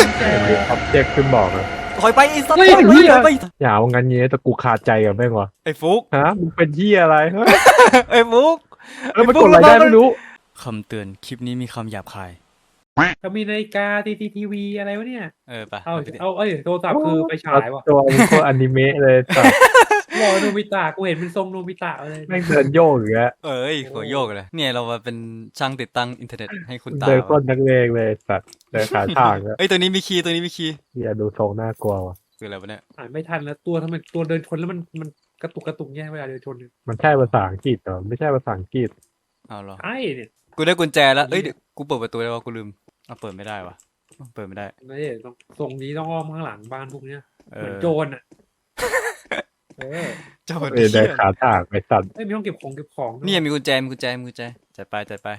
อ็อบเจกต์ขึ้นบอกนะถอยไปไอ้สัตว์เฮ้ยถอยไปอย่าเอางั้นเงี้ยแต่กูขาดใจกับแม่งวะไอ้ฟุกฮะมึงเป็นที่อะไรเฮ้ยไอ้ฟุกมันกดอะไรได้ไม่รู้คำเตือนคลิปนี้มีคำหยาบคายเขามีนาฬิกาทีวีอะไรวะเนี่ยไปเอาโทรศัพท์คือไปฉายวะตัวมันโคตรอนิเมะเลยแต่รอโนบิตะกูเห็นเป็นทรงโนบิตะเลยแม่งเดินโยกอย่างเงี้ยเอ้ยหัวโยกเลยเนี่ยเรามาเป็นช่างติดตั้งอินเทอร์เน็ตให้คุณตาเดินก้นนักเลงเลยสัตว์เดินขาทางแล้วเอ้ยตัวนี้มีคีย์ตัวนี้มีคีย์อย่าดูทรงน่ากลัวว่ะคืออะไรวะเนี่ยอ่านไม่ทันแล้วตัวทำไมตัวเดินชนแล้วมันกระตุกแย่เวลาเดินชนเนี่ยมันใช่ภาษาอังกฤษเหรอไม่ใช่ภาษาอังกฤษเอาเหรอไอ้เนี่ยกูได้กุญแจแล้วเอ้ยเดี๋ยวกูเปิดประตูได้วะกูลืมเอาเปิดไม่ได้วะเปิดไม่ได้ไม่ได้ต้องทรงนี้ต้องอ้อมข้างหลังบ้านพวกเนี้ยเอเหมืออนโจรอ่ะเจ้าเดินขาทางไปสัตว์ไม่มีห้องเก็บของนี่มีกุญแจจัดไป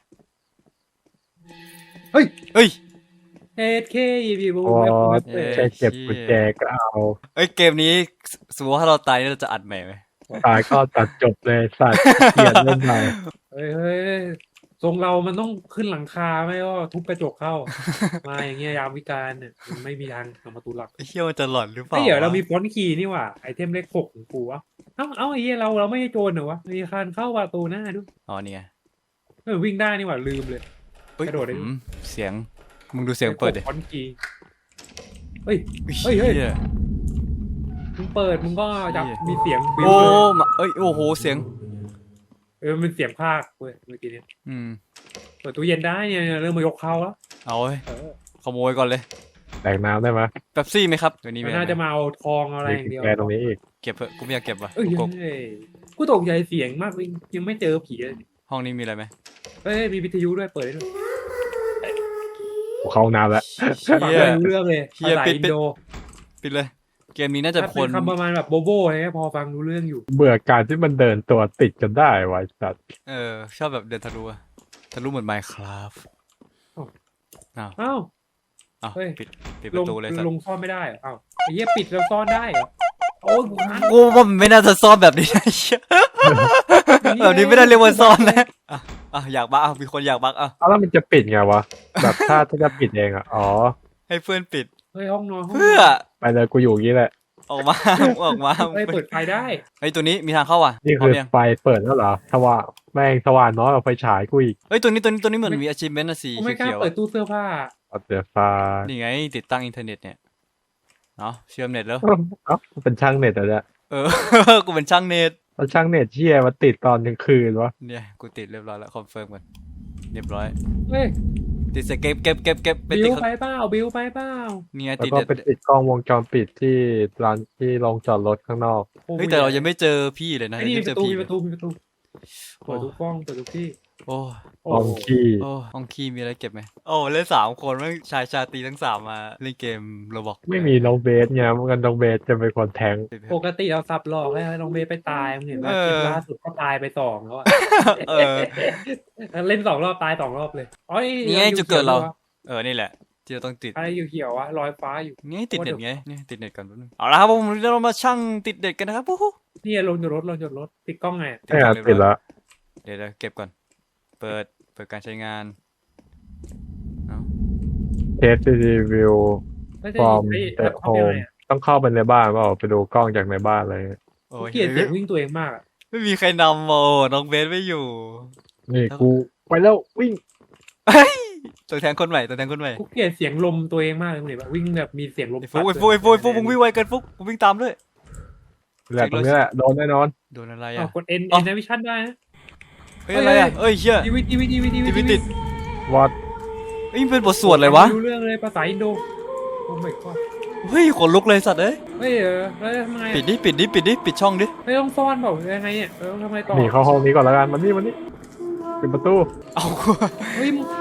เฮ้ยเฮ้ยเอเคบีบูอ๋อเว็บแค่เก็บกุญแจก็เอาเอ้ยเกมนี้สมมติว่าถ้าเราตายเนี่ยเราจะอัดใหม่ไหมตายก็ตัดจบเลยสัตว์เกลียดเล่นใหม่เฮ้ยทรงเรามันต้องขึ้นหลังคาไม่ก็ทุบกระจกเข้า มาอย่างเงี้ยยามวิการเนี่ยมันไม่มีทางทำประตูหลักไอ้เหี้ยมันจะหลอนหรือเปล่าเฮ้ยเดี๋ยวเราวะมีฟอนต์คีย์นี่หว่าไอเทมเลข6ของกูวะเอ้าไอ้เหี้ยเราไม่ใช่โจรเหรอวะมีคานเข้าประตูหน้าด้วยอ๋อนี่ไงวิ่งได้นี่หว่าลืมเลยเฮ้ยกระโดดได้ด้วยเสียงมึงดูเสียงเปิดดิฟอนต์คีย์เฮ้ย เฮ้ยหี้มึงเปิดมึงก็จะเหี้ยมีเสียงบิ้วโอ้เลยมาเอ้ยโอ้โหเสียงมันเป็นเสียงภาคเว้ยเมื่อกี้เนี่ยอืมเปิดตู้เย็นได้เนี่ยเริ่มมายกเข้าแล้วเอาเว้ยเออขโมยก่อนเลยแตกน้ำได้ไหมเป๊ปซี่ไหมครับตัวนี้มันไหน่าจะมาเอาทองเอาอะไรมีอย่างกุญเดียวแจตรงนี้อีกเก็บเถอะกูไม่อยากเก็บว่ะเอ้ยกูกบกูตกใจเสียงมากเลยยังไม่เจอผีเลยห้องนี้มีอะไรไหมเอ้ยมีวิทยุด้วยเปิดได้ด้วยกูเข้าน้ำแล้วฟังเฮียไม่รู้เรื่องเลยเหี้ยภาษาปิดอินโดปิดเลย เกมนี้น่าจะถ้าคเป็น นคำประมาณแบบโบโบอะไรเงี้ยพอฟังรู้เรื่องอยู่เบื่อการที่มันเดินตัวติดกันได้วะไอ้สัตว์ชอบแบบเดินทะลุอะทะลุเหมือน Minecraft อ้าวอ้าวอ้าวเฮ้ยปิดปลงระตูเลยสัตลว์งซ่อนไม่ได้เหรออ้าวไอ้เหี้ยปิดแล้วซ่อนได้เหรอโอ้ยกูค้างกูว่ามันไม่น่าจะซ่อนแบบนี้นะเหี้ยแบบนี้ไม่ได้เรียกว่าซ่อนนะอยากบักมีคนอยากบักเอาแล้วมันจะปิดไงวะแบบถ้าจะปิดเองอ่ะอ๋อให้เพื่อนปิดเฮ้ยห้องนอนห้องนเพื่ออนไปเลยกูอยู่อย่างนี้แหละออกมา ออกมาเฮ้ยเปิดไฟได้เฮ้ยตัวนี้มีทางเข้าว่ะนี่พร้อคือมยังไฟเปิดแล้วเหรอสว่างแม่งสว่างน้อยกว่าไฟฉายกูอีกเฮ้ยตัวนี้เหมือนมี achievement อะสีกูไม่กล้าเขียวๆเปิดอะตู้เสื้อผ้าเอาเดี๋ยวฟ้านี่ไงติดตั้งอินเทอร์เน็ตเนี่ยเนาะเชื่อมเน็ตแล้วเอ้าเป็นช่างเน็ตเหรอเนี่ยกูเป็นช่างเน็ตแล้วช่างเน็ตเชี่ยมาติดตอนกลางคืนวะเนี่ยกูติดเรียบร้อยแล้วคอนเฟิร์มกันเรียบร้อยเฮ้ยติดเสร็จเก็บไปบิติดวไปเปล่าบิวไปเปล่าเนี่ยแล้วติดก็เด็ดไปติดกล้องวงจรปิดที่ร้านที่โรงจอดรถข้างนอกเฮ้ยแต่เรายังไม่เจอพี่เลยนะไอ้นี่ยังมีไม่ปเจอระตูพี่มีเลปยระตูมีประตูเปิดทุกกล้องเปิดทุกที่โอ้ห้องขี้โอ้ห้องคีมีอะไรเก็บไหมโอ้เล่น3 คนแม่งชายชาตรีทั้ง3มาเล่นเกมโรบอกไม่มีน้องเบสไงมันกันน้องเบสจะเป็นคนแทงปกติเราสับหลอกให้น้องเบย์ไปตายมึงเห็นว่าคลิปล่าสุดก็ตายไป2แล้วอะเออเล่น2 รอบตาย2 รอบเลยอ๋อนี่ไงจุดเกิดเรา นี่แหละที่เราต้องติดอะไรอยู่เขียววะลอยฟ้าอยู่นี่ติดเน็ตไงนี่ติดเน็ตก่อนแป๊บนึงเอาละครับผมเรามาช่างติดเน็ตกันนะครับโอ้โหนี่ลงจากรถติดกล้องไงไม่อาจติดละเดี๋ยวเก็บก่อนเปิดการใช้งานเอาเทสรีวิว ฟอร์มเตะโฮมต้องเข้าไปในบ้านเปล่าไปดูกล้องจากในบ้านเลยโอ้กูยเกลียดเสียงวิ่งตัวเองมากอะไม่มีใครนำโอ้น้องเบสไม่อยู่นี่กูไปแล้ววิ่งตัวแทนคนใหม่ตัวแทนคนใหม่กูเกลียดเสียงลมตัวเองมากเลยมึงเห็นปะวิ่งแบบมีเสียงลมไอ้ฟุกมึงวิ่งไวเกินฟุกมึงวิ่งตามด้วยแหละตรงนี้แหละโดนแน่นอนโดนอะไรอ๋ออ่ะกด N อ๋อ N วิชั่นได้นะเฮ้ยอะไรอ่ะเอ้ยเชี่ยทีวีทีวีติดวอดเฮ้ยมันเป็นบทสวดเลยวะไม่รู้เรื่องเลยภาษาอินโดโอ้ my god เฮ้ยขนลุกเลยสัตว์เอ้ยเฮ้ยแล้วทำไงปิดดิช่องดิไม่ต้องซ่อนเปล่ายังไงเนี่ยทำไงต่อหนีเข้าห้องนี้ก่อนแล้วกันมันนี่ปิดประตูเอาเฮ้ยมึง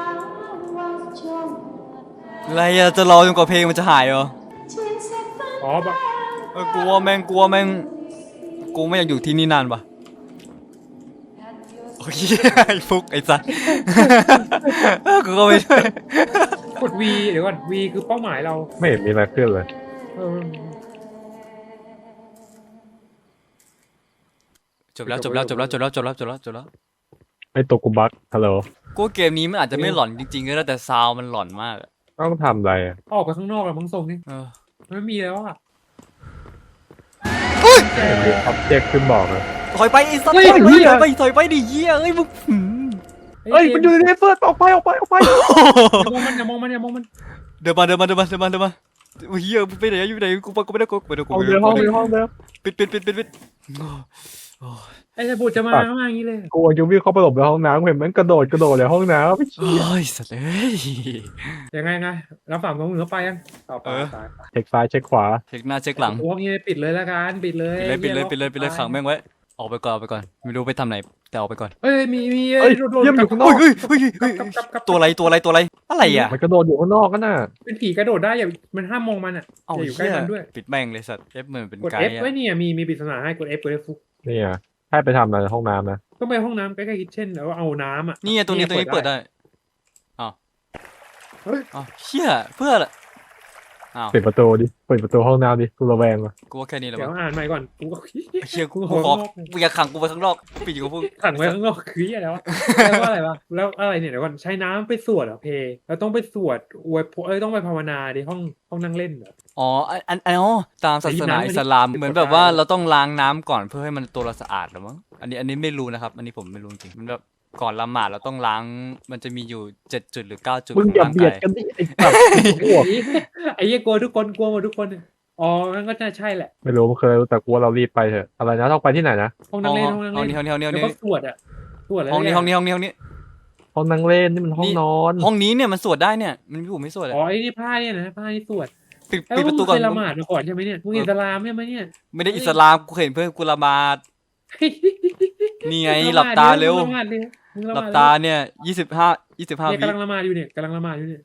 อะไรอ่ะจะรอจนกว่าเพลงมันจะหายเหรออ๋อแบบกลัวแม่งกูไม่อยากอยู่ที่นี่นานว่ะโอ้ยไอ้ฟุกไอ้สัตว์ กูก็ไม่ด้วยกด V เดี๋ยวก่อน V คือเป้าหมายเราไม่เห็นมีอะไรขึ้นเลยเออจบแล้วไอตัวกูบักฮัลโหลกูว่าเกมนี้มันอาจจะไม่หลอนจริงๆก็ได้แต่ซาวมันหลอนมากอะต้องทำอะไรอะออกไปข้างนอกแล้วมึงส่งนี่เออไม่มีแล้วอ่ะมีอ็อบเจกต์ขึ้นบอกเลยถอยไปไอ้สัตว์เฮ้ยถอยไปเหี้ยถอยไปดิเหี้ยเอ้ยมึงเฮ้ยมันอยู่ในเฟิร์สออกไปอย่ามองมันอย่ามองมันอย่ามองมันเดินมาเฮียไปไหนอยู่ไหนกูไม่ได้กูไม่ได้กูห้องเดิมห้องเดิมห้องเดิมปิดไอ้บุตรจะมาข้างล่างอย่างนี้เลยกูยังวิ่งเข้าไปหลบในห้องน้ำเห็นมันกระโดดเลยห้องน้ำไม่โอ้ยสัตว์เอ้ยยังไงแล้วฝั่งตรงเหนือไปยังต่อไปเช็คซ้ายเช็คขวาเช็คหน้าเช็คหลังพวกนี้ปิดเลยละกันปิดเลยปิดเลยขังแม่งไว้ออกไปก่อนไม่รู้ไปทำไหนแต่ออกไปก่อนเอ้ยมีเฮ้ยเยี่ยมอยู่ข้างนอกตัวอะไรอะไรอ่ะมันกระโดดอยู่ข้างนอกกันน่ะเป็นผีกระโดดได้อย่ามันห้ามมองมันอ่ะเอาอย่าอยู่ใกล้เหี้ยมันด้วยปิดแม่งเลยสัตว์ F เหมือนเป็นกดไก F ด์ไว้อ่ะเนี่ยมีปริศนาให้กด F ฟุกนี่อ่ะให้ไปทำอะไรในห้องน้ำนะก็ไปห้องน้ำใกล้ๆคิทเช่นแล้วเอาน้ำอ่ะนี่ตัวนี้เปิดได้อ้าวเชี่ยเพื่อละอ้าวปิดประตูดิเปิดประตูห้องน้ำดิกูระแวงว่ะกูว่าแค่นี้แหละเดี๋ยวอ่านใหม่ก่อนกูก็เชี่ยกูขอกูอยากขังกูไปข้างนอกปิดอยู่กับพวกขังไว้ข้างนอกคืออะไรวะแล้วว่าอะไรวะแล้วอะไรเนี่ยเดี๋ยวก่อนใช้น้ำไปสวดเหรอเพแล้วต้องไปสวดอวยต้องไปภาวนาดิห้องนั่งเล่นเหรออ๋อตามศาสนาอิสลามเหมือนแบบว่าเราต้องล้างน้ำก่อนเพื่อให้มันตัวเราสะอาดหรือมั้งอันนี้ไม่รู้นะครับอันนี้ผมไม่รู้จริงมันแบบก่อนละหมาดเราต้องล้างมันจะมีอยู่7 จุดหรือ9 จุดมึงของอย่าร่างเบียกาดยกันดิไอ้สัตว์อ้วกไอ้เหี้ยกลัวทุกคนกลัวหมดทุกคนอ๋องั้นก็น่าใช่แหละไม่รู้มันเคยแต่กูว่าเรารีบไปเถอะอะไรนะต้องไปที่ไหนนะห้องนั่งเล่นห้องนั่งห้องเล่นนี้แล้วก็สวดอ่ะสวดอะไรห้องนี้ห้องห้องนั่งเล่นนี่มันห้องนอนห้องนี้เนี่ยมันสวดได้เนี่ยมันอยู่ไม่สวดเลยอ๋อไอ้นี่ผ้าเนี่ยนะผ้าที่สวดปิดประตูก่อนเคยละหมาดมาก่อนใช่ไหมเนี่ยมึงอิสลามใช่ไหมเนี่ยไม่ได้อิสลามกูเห็นเพื่อนกูละหมาดนี่ไงหลับตาเร็วละหมาดเลยมึงละหหลัมาบดตาเนี่ย25 เนี่ยวิกำลังละหมาดอยู่เนี่ยกำลังละหมาดอยู่เนี่ย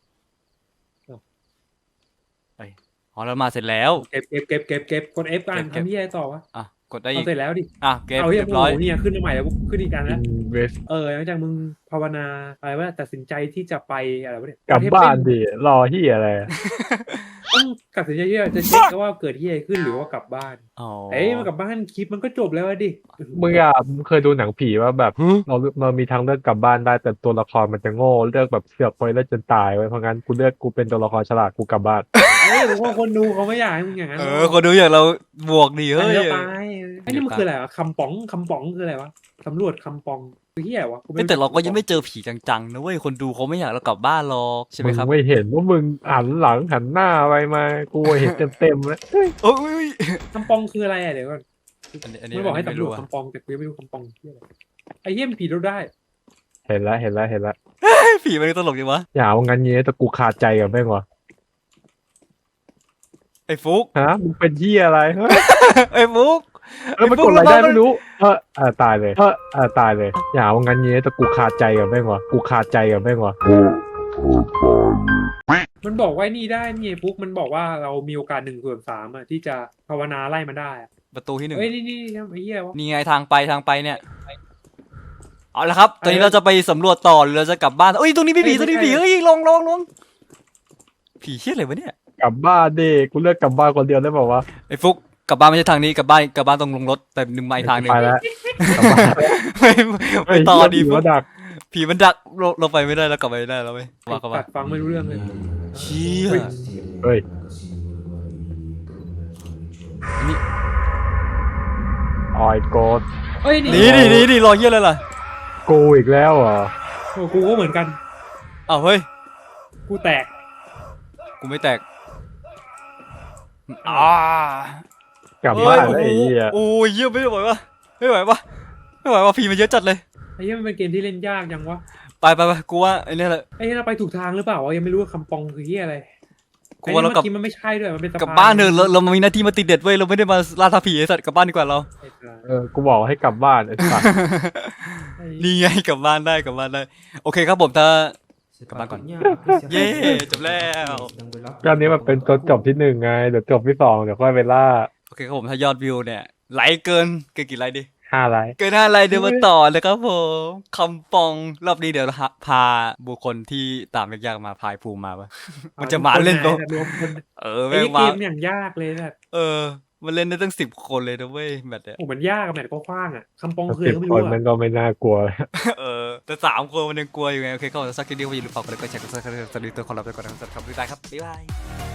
อ๋อละหมาดเสร็จแล้วเก็บกด F กันทำที่อะไรต่อวะอ่ะกดได้อีเอากเสร็จแล้วดิอ่ะเก็บเอาเรีเรียบร้อยเนี่ยขึ้นมาใหม่แล้วขึ้นอีกอันอิแล้วนเวสหลังจากมึงภาวนาอะไรว่าตัดสินใจที่จะไปอะไรวะเนี่ยกลับบ้านดิรอที่อะไรต้องตัดสินใจที่จะเช็คว่าเกิดที่อะไรขึ้นหรือว่ากลับบ้านอ๋อมันกลับบ้านคลิปมันก็จบแล้วดิมึงเคยดูหนังผีว่าแบบเรามีทางเลือกกลับบ้านได้แต่ตัวละครมันจะโง่เลือกแบบเสือกไปแล้วจนตายไว้เพราะงั้นกูเลือกกูเป็นตัวละครฉลาดกูกลับบ้านหรือว่าคนดูเขาไม่อยากให้มึงอย่างนั้นคนดูอย่างเราบวกดีเฮ้ยเดี๋ยวตายไอ้นี่มันคืออะไรวะคำป๋องคืออะไรวะสำรวจคำป๋องคือที่ไหนวะแต่เราก็ยังไม่เจอผีจังๆนะเว้ยคนดูเขาไม่อยากเรากลับบ้านหรอกใช่ไหมครับงไม่เห็นว่ามึงหันหลังหันหน้าไปมากูเห็นเต็มแล้วโอ้ยคำป๋องคืออะไรเดี๋ยวก่อนอันนี้ไม่บอกให้ไม่สำรรู้วจอะคำป๋องแต่กูยังไม่รู้คำป๋องคืออะไรไอ้เหี้ยมันผีเราได้เห็นแล้วผีมันตลกจังวะอย่าว่างั้นเงี้ยแต่กูขาดใจกับแม่งวะไอ้ฟุกฮะมึงเป็นที่อะไรเฮ้ยไอ้ฟุกแล้วมันกดอะไรได้ไม่รู้ตายเลยตายเลยอย่าว่างั้นเงี้ยแต่กูขาดใจกับแม่งวะมันบอกว่านี่ได้นี่ปุ๊กมันบอกว่าเรามีโอกาส1/3อะที่จะภาวนาไล่มันได้อะประตูที่ 1 เฮ้ยนี่ไอ้เหี้ยวะนี่ไงทางไปเนี่ยเอาละครับตอนนี้เราจะไปสำรวจต่อหรือเราจะกลับบ้านเอ้ยตรงนี้ไม่ผีเฮ้ยลงผีเฮี้ยอะไรวะเนี่ยกลับบ้านดิกูเลือกกลับบ้านคนเดียวได้บอกว่าไอ้ฟุกกลับบ้านไม่ใช่ทางนี้กลับบ้านตรงลงรถแต่1 ไมล์ทางหนึงไปแล้วไม่ต่อดีฟุฟุกกดักผีมันดักเราไปไม่ได้แล้วกลับไปไม่ได้แล้วเว้ยว่ากันตัว่าดฟังไม่รู้เรื่องเลยเชี่ยเฮ้ยนี่ออยโกดเอ้ยนี่รอเฮี้ยอะไรล่ะกูอีกแล้วเหรอโอ้กูก็เหมือนกันอ้าวเฮ้ยกูแตกกูไม่แตกกลับบ้านแล้วไอ้เหี้ยโอ้ยเยี่ยไม่ไหววะผีมันเยอะจัดเลยไอ้เหี้ยมันเป็นเกมที่เล่นยากจังวะไปกูว่าไอ้นี่แหละไอ้เหี้ยเราไปถูกทางหรือเปล่าวะยังไม่รู้ว่าคำปองคือเหี้ยอะไรกูว่าเรากลับไอ้นี่มันไม่ใช่ด้วยมันเป็นสะพกลับบ้านเถอะเรามีหน้าที่มาติดเด็ดเว้ยเราไม่ได้มาล่าท้าผีไอ้สัตว์กลับบ้านดีกว่าเรากูบอกให้กลับบ้านไอ้สัสนี่ไงกลับบ้านได้โอเคครับผมถ้ากลับบ้านก่อนเย้จบแล้วก็อันนี้มันเป็นตัวจบที่ 1ไงเดี๋ยวจบที่ 2เดี๋ยวค่อยไปล่าโอเคครับผมถ้ายอดวิวเนี่ยไลค์เกินกี่ไลค์ดิ 5 ไลค์เกิน5ไลค์เดี๋ยวมาต่อเลยครับผมคำปองรอบนี้เดี๋ยวพาบุคคลที่ตามยากๆมาพายภูมิมาปะมันจะมาเล่นปะรวมคนแม่ไอ้งเกมามอย่างยากเลยนะมันเล่นได้ตั้ง10 คนเลยนะเว้ยแบบเนี้ยโอ้มันยากอะแมทก็กว้างอะคำปองคือสิอะไรบก็ไม่ครู้นมันอะก็ไม่น่ากลัวเออแต่3 คนมันยังกลัวอยู่ไงโอเคก็สักทีเดียวอย่าลืมฝากกดไลค์กดแชร์กดซับสไครต์ตัวคอลับไปก่อนนะครับสำหรับคลิปนี้ครับบ๊ายบาย